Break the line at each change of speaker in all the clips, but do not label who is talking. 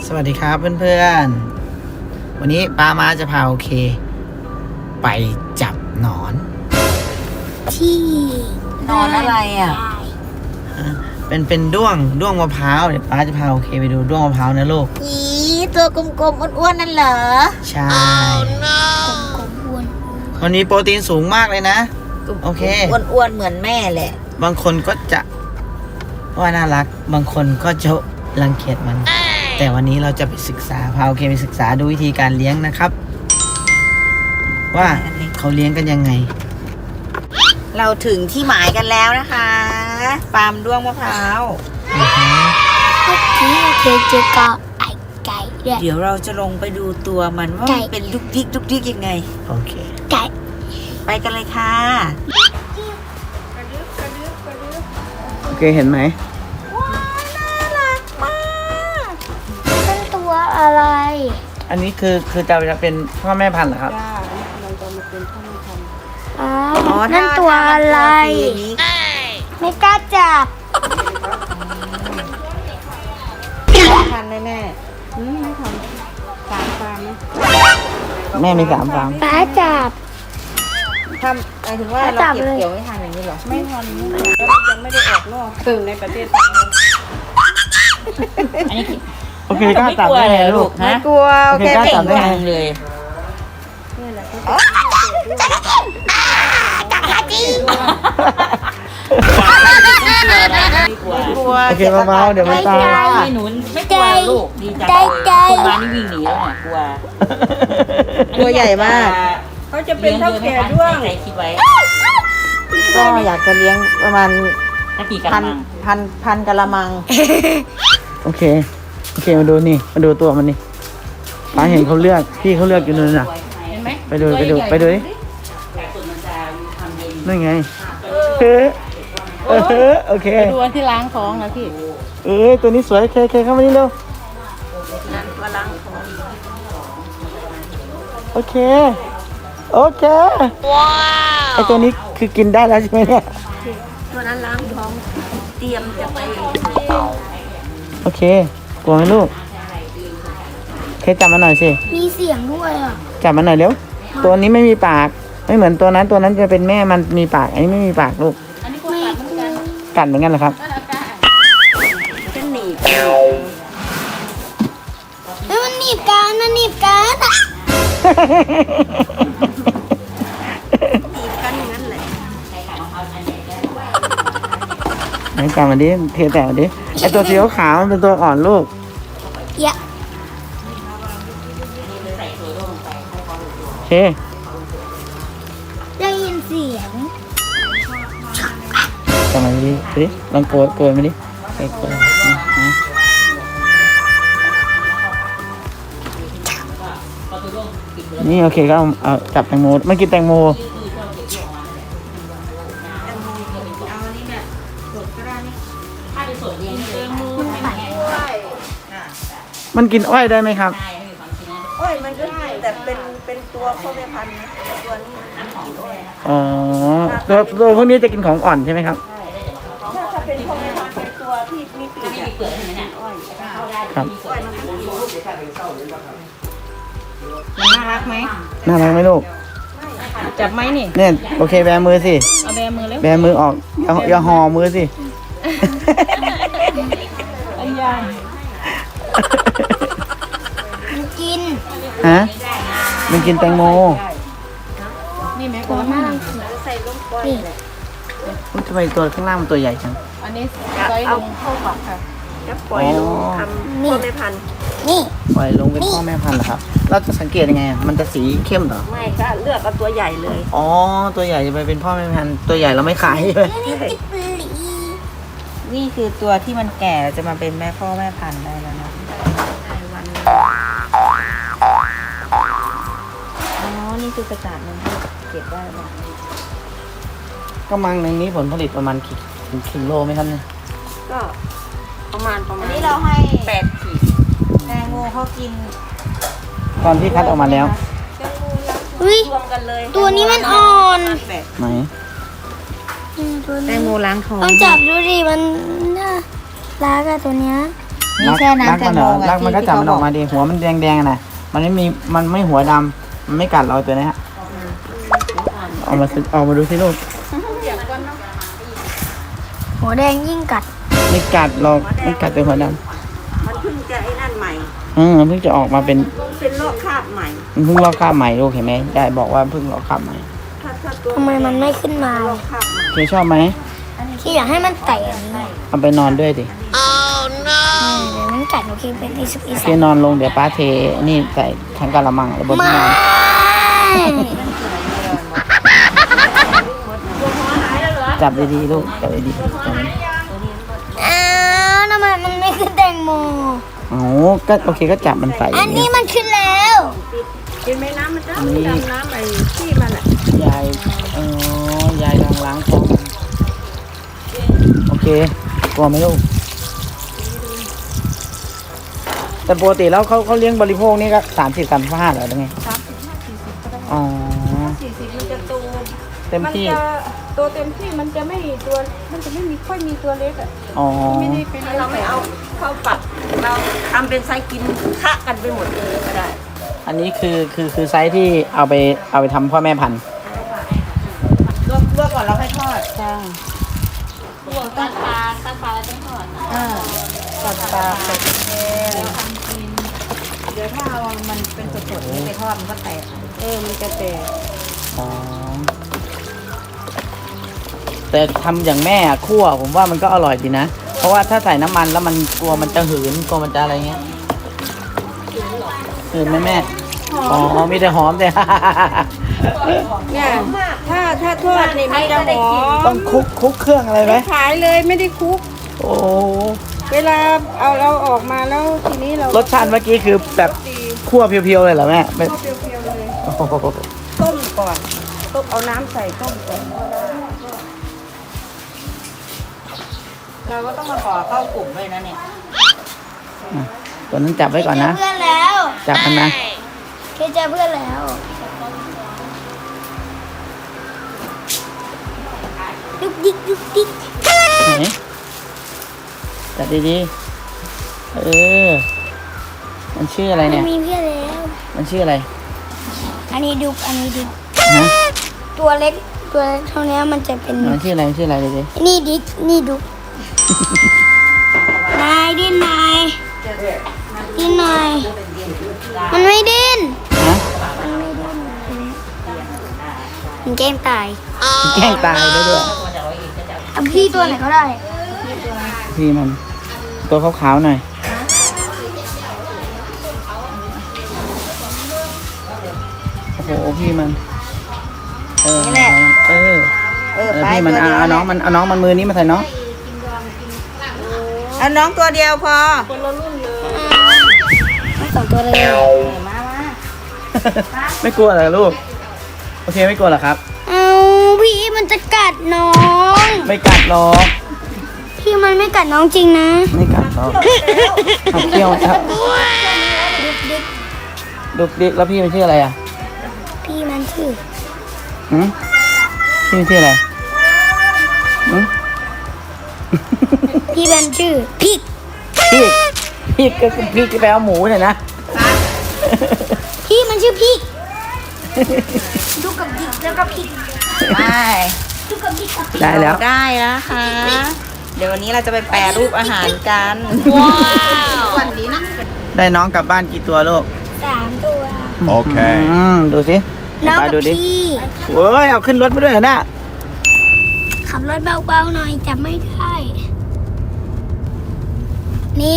สวัสดีครับเพื่อนๆวันนี้ป้ามาจะพาโอเคไปจับหนอน
ที่
นอนอะไรอ่ะ
เป็นด้วงมะพร้าวเดี๋ยวป้าจะพาโอเคไปดูด้วงมะพร้าวนะลูก
อีตัวกลมๆอ้วนๆนั่นเหรอ
ใช่
กลมอ้วน
มันมีโปรตีนสูงมากเลยนะโอเค
อ้วนๆเหมือนแม่แหละ
บางคนก็จะว่าน่ารักบางคนก็จะรังเกียจมันแต่วันนี้เราจะไปศึกษาพาโอเคไปศึกษาดูวิธีการเลี้ยงนะครับว่าเขาเลี้ยงกันยังไง
เราถึงที่หมายกันแล้วนะคะฟาร์มด้วงมะพร้าว
ที่เคยเจอกับไก่ด้วย
เดี๋ยวเราจะลงไปดูตัวมันว่ามันเป็นดุกดิกยังไง
โอเค
ไก่
ไปกันเลยค่ะ
โอเคเห็นไหม
ว้าวน่ารักมาก
เป็นตัวอะไร
อันนี้คือจะเป็นพ่อแม่พันธุ์เหรอครับ
เราจะมาเป็นพ่อแม่พันธุ์
อ๋อนั่นตัวอะไรไม่กล้าจับ
พันธุ์แม่
ไม่ทำ3 ฟาร์มนะ
แม่มี3 ฟาร์ม
ป้าจับ
ทำหมายถึงว่าเราเก็บเกี่ยวไม่ทันอย่างนี้เหรอ
ไม่ทันแล้วยังไม่ได้ออกนอกถึงในประเทศไทย
โอเคกล้าจับได้ไงลูก
ไม่กลัวโอเค
กล้าจับได้ไง
เลย
นี่แหละ
กลัว
โอเคเบาๆเดี๋ยวมันตาย
หนูไม่กลัวลูกดีจังคนมานี่วิ่งหนีแล้วเนี่ยกลัวตัวใหญ่มาก
เขาจะเป็นเท่าแก่ด้วง
คิดไว้
ก็อยากจะเลี้ยงประมาณพันกะละมังโอเคมาดูนี่มาดูตัวมันนี่ป้าเห็นเขาเลือกพี่เขาเลือกอยู่นู่นน่ะไปดูดินั่นไงโอเค
ดูอันที่ล้างท้องนะพี่
ตัวนี้สวยเคเข้ามานี่เร็วโอเคว้าวไอตัวนี้คือกินได้แล้วใช่ไหมเนี่ย
ตัวนั้นล้างท้องเตรียมจะไป
โอเคกลัวไหมลูกเคจับมันหน่อยสิ
มีเสียงด้วยอ่ะ
จับมันหน่อยเร็วตัวนี้ไม่มีปากไม่เหมือนตัวนั้นจะเป็นแม่มันมีปากอันนี้ไม่มีปากลูกกัดเหมือนกันเหรอครับ
จะหนีบ
มันหนีบกันอ่ะ
หนีบกันอย่างนั้นแหละ
ไหนจับมันดิเทแต่มันดิไอตัวสีขาวมันเป็นตัวอ่อนลูก
ยะ
โอเค
ได้ยินเสียง
ทำไมดิลองโกยมาดิโกยนี่โอเคก็เอาจับแตงโมมันกินแตงโมมันกินอ้อยได้ไหมครับ
อ้อยมันก็ได้แต่เป็นตัวพ่อแม่พันธุ์นะตัวนี้กินอ้อย
อ๋อตัวพวกนี้จะกินของอ่อนใช่ไหมครับ
ถ้าเป็นพ่อแม่พันธุ์เป็นตัวที่มีเปลือกใช่ไหมเนี่ยอ้อย
ครับ
มันน่ารักไหม
ลูก
จับไหมนี่
เนี่ยโอเคแบมือสิ
เอาแบมือแล้ว
แบมือออกอย่าห่อมือสิ
ไอ้ยา
กิน
มันกินแตงโม
นี่แม่
ตัวมาก
ใส่ลงก้อยเลย
ทำไมตัวข้างล่างมันตัวใหญ่จัง
อันนี้ใส่ลงเข้าปากค่ะ
จะปล่อยลงทำพ่อแม่พันธุ์
นี่
ปล่อยลงเป็นพ่อแม่พันธุ์เหรอครับเราจะสังเกตยังไงมันจะสีเข้มเหรอ
ไม่ก็เลือกเอาตัวใหญ่เลย
อ๋อตัวใหญ่จะไปเป็นพ่อแม่พันธุ์ตัวใหญ่เราไม่ขายใช่ไหม
นี่คือตัวที่มันแก่จะมาเป็นแม่พ่อแม่พันธุ์ได้แล้วนะนี่คือกระจาดมันเก็บได้ป่ะ
ก็มังในนี้ผลผลิตประมาณกี่กิโลไหมครับเนี่ย
ก็ประมาณอันนี้เราให้8 ขีดแตงโมเขากิน
ตอนที่คัดออกมาแล้ว
รวมกันเลย
ตัวนี้มันอ่อน
ไหน
แตงโมล้างท้อง
ต้องจับดูดิมันน่ารักอะตัวเนี้ย
นี่แช่น้ำแตงโม
รักมันก็จับมันออกมาดิหัวมันแดงๆนะมันไม่หัวดำมันไม่กัดเราตัวนี้ฮะเอามาดูสิลูก
หัวแดงยิ่งกัด
ไม่กัดหรอกไม่กัดเป็นหัวดำ
มันเพิ่งจะไอ้นั่นใหม่
เพิ่งจะออกมาเป็น
เป็นโรคคราบใหม่
มันเพิ่งลอกคราบใหม่ลูกเห็นไหมยายบอกว่าเพิ่งลอกคราบใหม่
ถ้าตัว
ทำไมมันไม่ขึ้นมา
โรคคราบใหม่
เคชอบไหม
ที่อยากให้มันไต่อันนี้
เอาไปนอนด้วยดิ
เดี๋ยวมันกัดหนูคิดเป็นอีสุกอี
เค
สัน
นอนลงเดี๋ยวป้าเทนี่ใส่ทั้งกะละมังเลยบนที่นอน จับดีๆลูกจับดีๆจับดี
อ้าวทำไมมันไม่ขึ้นแตงโม
ๆอ๋อก็โอเคก็จับมันใส่
อันนี้มันขึ้นแล้ว
กินไหมน้ำมันจะดำน้ำไอ้ที่มันอ่ะ
ยายยายกำลังล้างท้องมันโอเคกลัวไหมลูกแต่ปกติแล้วเขาเลี้ยงบริโภคนี่ก็30-35เหรอหรือไง
35-40ก็ได้
อ๋อ
40มันจะโต
เต็มที่
นจะตัวเต็มที่มันจะไม่ตัวมันจะไม่มีค่อยมีตัวเล็กอ่ะ
อ๋อ
ไม่ได้เป็น
เราไม่เอาเข้าปัดเราทำเป็นไซส์กินคะกันไปหมดเลยก็ได้
อันนี้คือไซส์ที่เอาไปทำพ่อแม่พันธุ์
ลวกก่อนแล้วค่อยทอดจ้า
ตัดปลาแล้วต้องถอด
ตัดปลาใส่แกงเดี๋ยวถ้าเอามันเป็นสดๆนี่ไปทอดมันก็แตก
มันจะแตก
อ๋อแต่ทำอย่างแม่อะคั่วผมว่ามันก็อร่อยดีนะ เพราะว่าถ้าใส่น้ำมันแล้วมันกลัวมันจะหืนกลัวมันจะอะไรเงี้ยหืนไหมแม่อ๋อมีแต่หอมแต่
เนี่ยถ้าทอดนี่มันจะหอม
ต้องคลุกเครื่องอะไรไหม
ไม่ขายเลยไม่ได้คลุก
โอ้
เวลาเอาเราออกมาแล้วทีนี้เรา
รสชาติเมื่อกี้คือแบบ
ตี
คั่วเพียวๆเลยเหรอแม่ไม่
เปรี้ยวๆเลย
โอ้โห
ต้มก่อนต้มเอาน้ำใส่ต้มก่อน
เราก็ต้องมาขอเข้ากลุ่มด้วยนะเนี่ย
ตัวนั้นจับไว้ก่อนนะ
เพื่อนแล้ว
จับมันนะ
เคยเจอเพื่อนแล้วดุกดิกดุกดิก
ไหนจับดีๆมันชื่ออะไรเนี่ย
มีเพื่อนแล้ว
มันชื่ออะไร
อันนี้ดุกอันนี้ดิก
ฮะ
ตัวเล็กเท่านี้มันจะเป็น
มันชื่ออะไรมันชื่ออะไรดิ
นี่ดิกนี่ดุกนายดิ้นนายดิ้นนายมันไม่ดิ้น
ฮะ
มันแกล้งตาย
แกล้งตายได้ด้วย
เอาพี่ตัวไหนก็ได้
พี่มันตัวขาวๆหน่อยโอ้โหพี่มันนี่แหละพี่มันเอาน้องมันมือนี้มาใส่น้อง
เอาน้องตัวเดียวพอ
ทั้งสองตัวเลย
มา
ไม่กลัวเหรอลูกโอเคไม่กลัวเหรอครับ
เอาพี่มันจะกัดน้อง
ไม่กัดหรอก
พี่มันไม่กัดน้องจริงนะ
ไม่กัดหรอกเอาเที่ยวครับ
ดุกดิก
ดุกดิกแล้วพี่มันชื่ออะไรอ่ะ
พี่มันชื่อ
หืมพี่มันชื่ออะไรหืม
พี่มันชื่อพริก
พี่ก็คือพี่ที่แปลว่าหมูเนี่ยนะ
พี่มันชื่อพริกดูกับดิกแล้วก็พริก
ไป
ดูกับดิกกับพริก
ได้แล้ว
ได้แล้วค่ะ เดี๋ยววันนี้เราจะไปแปรรูปอาหารกัน
ว้าว
วันนี้นะ
ได้น้องกลับบ้านกี่ตัวลูก
3 ตัว
โอเค
ดูสิ
น้อง
ไป
กับ
ดูดิ
พี่
เว้ยเอาขึ้นรถไปด้วยเหรอน่ะ
ขับรถเบาๆหน่อยจับไม่ได้ นี่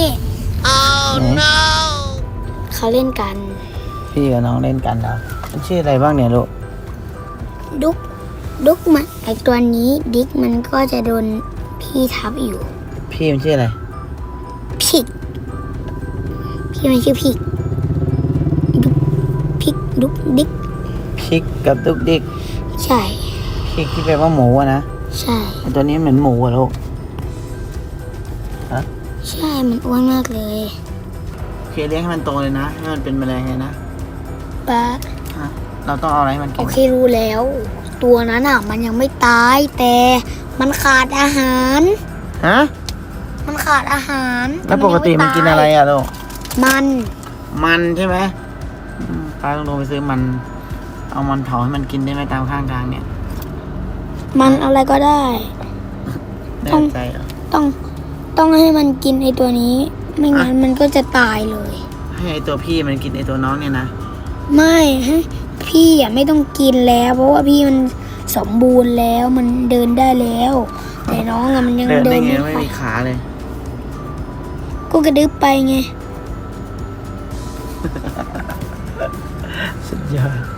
เขาเล่นกัน
พี่กับน้องเล่นกันแล้วมันชื่ออะไรบ้างเนี่ยลูก
ดุกมันไอตัวนี้ดิกมันก็จะโดนพี่ทับอยู่
พี่มันชื่ออะไร
พิกพี่มันชื่อพิกดุกพิกดุกดิก
พริกกับดุกดิก
ใช่
พริกที่แปลว่าหมูอะนะ
ใช่
ไอ้ตัวนี้เหมือนหมูอะลูก
ใช่มันอ้วนมากเลย
โอเคเลี้ยงให้มันโตเลยนะให้มันเป็นแมลงเลยนะ
ป้า
ฮะเราต้องเอาอะไรให้มัน
โอ
กิน
เครู้แล้ว ตัวนั้นอ่ะ มันยังไม่ตายแต่มันขาดอาหาร
ฮะ
มันขาดอาหาร
แล้วปกติมันกินอะไรอ่ะลูก
มัน
มันใช่ไหมป้าต้องลงไปซื้อมัน เอามันเผาให้มันกินได้ไหมตามข้างทางเนี่ย
มันอะไรก็ได้
แน่ใจเหรอ
ต้องให้มันกินไอตัวนี้ ไม่งั้นมันก็จะตายเลย
ให้ไอตัวพี่มันกินไอตัวน้องเนี่ยนะ
ไม่ให้พี่อ่ะไม่ต้องกินแล้ว เพราะว่าพี่มันสมบูรณ์แล้วมันเดินได้แล้ว แต่น้องอะมันยัง
เดิน
เดิ
ได้
น
ไง
ไม่
ไม่
ค่อย
มีขาเลย
ก็กระดึ๊บไปไง
สุดยอด